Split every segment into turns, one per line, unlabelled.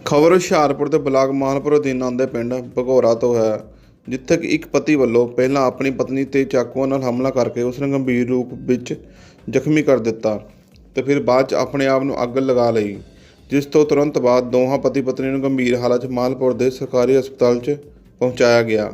ਖਬਰ ਹੁਸ਼ਿਆਰਪੁਰ ਦੇ ਬਲਾਕ ਮਾਹਲਪੁਰ ਅਧੀਨ ਆਉਂਦੇ ਪਿੰਡ ਭਗੌਰਾ ਤੋਂ ਹੈ, ਜਿੱਥੇ ਕਿ ਇੱਕ ਪਤੀ ਵੱਲੋਂ ਪਹਿਲਾਂ ਆਪਣੀ ਪਤਨੀ ਤੇ ਚਾਕੂਆਂ ਨਾਲ ਹਮਲਾ ਕਰਕੇ ਉਸ ਨੂੰ ਗੰਭੀਰ ਰੂਪ ਵਿੱਚ ਜ਼ਖਮੀ ਕਰ ਦਿੱਤਾ ਤੇ ਫਿਰ ਬਾਅਦ 'ਚ ਆਪਣੇ ਆਪ ਨੂੰ ਅੱਗ ਲਗਾ ਲਈ, ਜਿਸ ਤੋਂ ਤੁਰੰਤ ਬਾਅਦ ਦੋਹਾਂ ਪਤੀ ਪਤਨੀ ਨੂੰ ਗੰਭੀਰ ਹਾਲਤ 'ਚ ਮਾਹਲਪੁਰ ਦੇ ਸਰਕਾਰੀ ਹਸਪਤਾਲ 'ਚ ਪਹੁੰਚਾਇਆ ਗਿਆ।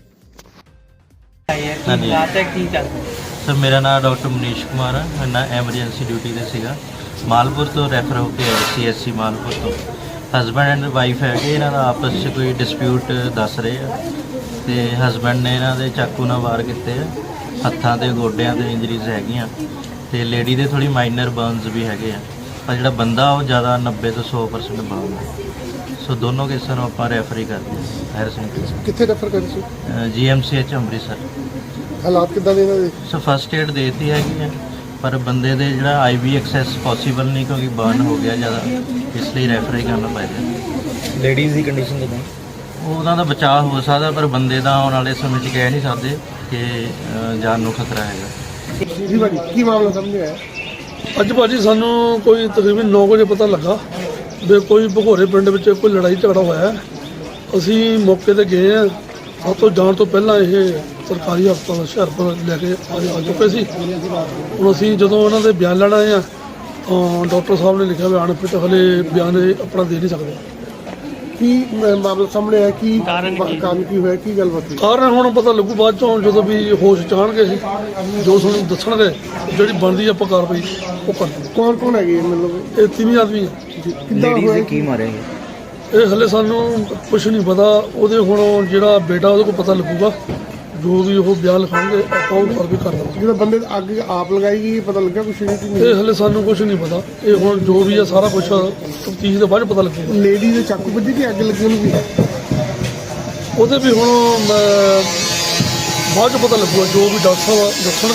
सर मेरा नाम डॉक्टर मनीष कुमार है। मैं एमरजेंसी ड्यूटी से सीगा मालपुर तो रैफर होकर आया CSC मालपुर तो। हसबैंड एंड वाइफ है कि इन्हों का आपस में कोई डिस्प्यूट दस रहे हैं तो हसबैंड ने इन्हों के चाकू नाल वार किए, हत्थां ते गोड्यां ते इंजरीज हैगियां ते लेडी दे थोड़ी माइनर बर्नस भी हैगे आ, पर जिहड़ा बंदा वो ज़्यादा 90 तो 100% बर्न है। सो दोनों केसां नूं आपां रैफर ही करते हैं हायर सेंटर
कित्थे रेफर कर सी
GMCH ਅੰਮ੍ਰਿਤਸਰ।
हालात किद्दां दे इन्हां दे?
सो फस्ट एड देती हैगी है, पर बंदे दे जिहड़ा IV एक्सैस पॉसीबल नहीं क्योंकि बर्न हो गया ज़्यादा, इसलिए रैफर ही करना पेगा।
लेडीज़ की कंडीशन कितना?
ਉਹਨਾਂ ਦਾ ਬਚਾਅ ਹੋ ਸਕਦਾ, ਪਰ ਬੰਦੇ ਦਾ ਆਉਣ ਵਾਲੇ ਸਮੇਂ 'ਚ ਕਹਿ ਨਹੀਂ ਸਕਦੇ ਕਿ ਜਾਨ ਨੂੰ ਖਤਰਾ ਹੈਗਾ।
जी भाजी की मामला सामने आया?
ਅੱਜ ਭਾਜੀ ਸਾਨੂੰ ਕੋਈ ਤਕਰੀਬਨ 9 ਵਜੇ ਪਤਾ ਲੱਗਾ ਵੀ ਕੋਈ ਭਗੌਰੇ ਪਿੰਡ ਵਿੱਚ ਕੋਈ ਲੜਾਈ ਝਗੜਾ ਹੋਇਆ ਹੈ। ਅਸੀਂ ਮੌਕੇ ਤੇ ਗਏ ਹਾਂ। ਸਭ ਤੋਂ ਜਾਣ ਤੋਂ ਪਹਿਲਾਂ ਇਹ ਸਰਕਾਰੀ ਹਸਪਤਾਲ ਹੁਸ਼ਿਆਰਪੁਰ ਲੈ ਕੇ ਆ ਚੁੱਕੇ ਸੀ। ਹੁਣ ਅਸੀਂ ਜਦੋਂ ਉਹਨਾਂ ਦੇ ਬਿਆਨ ਲੈਣ ਆਏ ਹਾਂ ਤਾਂ ਡਾਕਟਰ ਸਾਹਿਬ ਨੇ ਲਿਖਿਆ ਵੀ ਅਨਫਿਟ ਹਲੇ ਬਿਆਨ ਇਹ ਆਪਣਾ ਦੇ ਨਹੀਂ ਸਕਦੇ।
की मामला सामने आया की कारण की होया की गलबात हुई?
ਕਾਰਨ ਹੁਣ ਪਤਾ ਲੱਗੂ ਬਾਅਦ ਚੋਂ ਜਦੋਂ ਵੀ ਹੋਸ਼ ਚਾਣਗੇ ਜੋ ਸਾਨੂੰ ਦੱਸਣਗੇ, ਜਿਹੜੀ ਬਣਦੀ ਆਪਾਂ ਕਾਰਵਾਈ ਉਹ ਕਰਦੇ।
कौन कौन है ये मतलब
ਇਹ ਤਿੰਨ ਆਦਮੀ ਆ।
किद्दां
लेडीज़
होया?
ने की मारेंगे?
ਇਹ ਹਲੇ ਸਾਨੂੰ ਕੁਝ ਨਹੀਂ ਪਤਾ। ਉਹਦੇ ਹੁਣ ਜਿਹੜਾ ਬੇਟਾ ਉਹਦੇ ਕੋਲ ਪਤਾ ਲੱਗੂਗਾ, ਜੋ ਵੀ ਉਹ ਬਿਆਨ ਲਿਖਾਉਣਗੇ ਆਪਾਂ ਉਹ ਕਾਰਵਾਈ ਕਰ ਦਾਂਗੇ।
जिहड़ा बंदे अग आप लगाई गई पता लगा कुछ नहीं की
ਇਹ ਹਲੇ ਸਾਨੂੰ ਕੁਝ ਨਹੀਂ ਪਤਾ। ਇਹ ਹੁਣ ਜੋ ਵੀ ਆ ਸਾਰਾ ਕੁਝ ਤਫਤੀਸ਼ ਦੇ ਬਾਅਦ ਪਤਾ ਲੱਗੂਗਾ।
लेडी दे चाकू बजी की अग लगी उन्हें भी?
ਉਹਦੇ ਵੀ ਹੁਣ ਬਾਅਦ ਚ ਪਤਾ ਲੱਗੂਗਾ, ਜੋ ਵੀ ਡਾਕਟਰ ਸਾਹਿਬ ਦੱਸਣ